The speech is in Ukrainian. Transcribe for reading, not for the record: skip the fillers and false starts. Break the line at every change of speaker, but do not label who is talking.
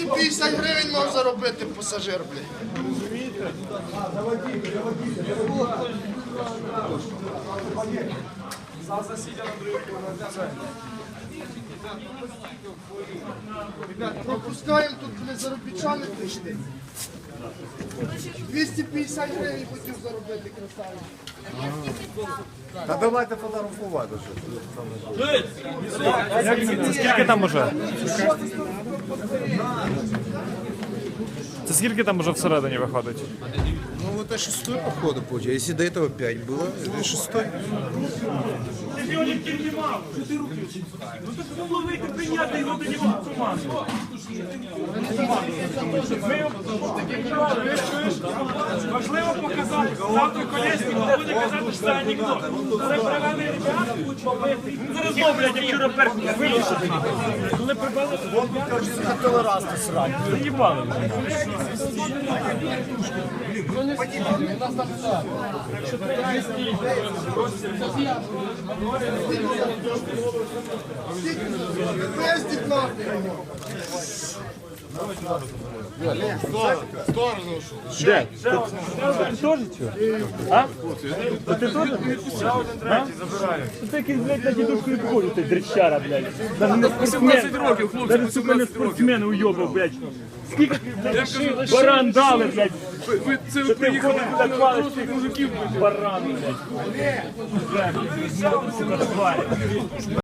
250 гривень мав заробити пасажир, блядь.
Зал засідя на другий поверх.
Пропускаємо, тут блядь, заробітчани прийшли. 250 гривень хотів заробити, красавець.
Та давайте фотографувати.
Це скільки там уже? Це скільки там уже всередині виходить?
Ну это 6-й походу получается. Если до этого 5 было, это 6-й.
Ну так було вийти прийняти його до нього в команду. Важливо показати. Завтра Колєснік буде казати, що це анекдот. Це привели ребята, побити. Зараз роблять, як вчора перший вийшов. Коли прибили,
Хотіли раз ти срати.
заїбали.
Пиздіть нахуй.
Де? Ти теж цього? А? Ти теж? Ти якийсь, блядь, на дідушку і входить, ти дрищара, блядь. Даже не спортсмен. Даже, сука, не спортсмен уйобав, блядь. Скільки ти, блядь, баран дали, блядь. Що ти входиш, блядь, палиш цих мужиків, баран, блядь. Сука, тварь.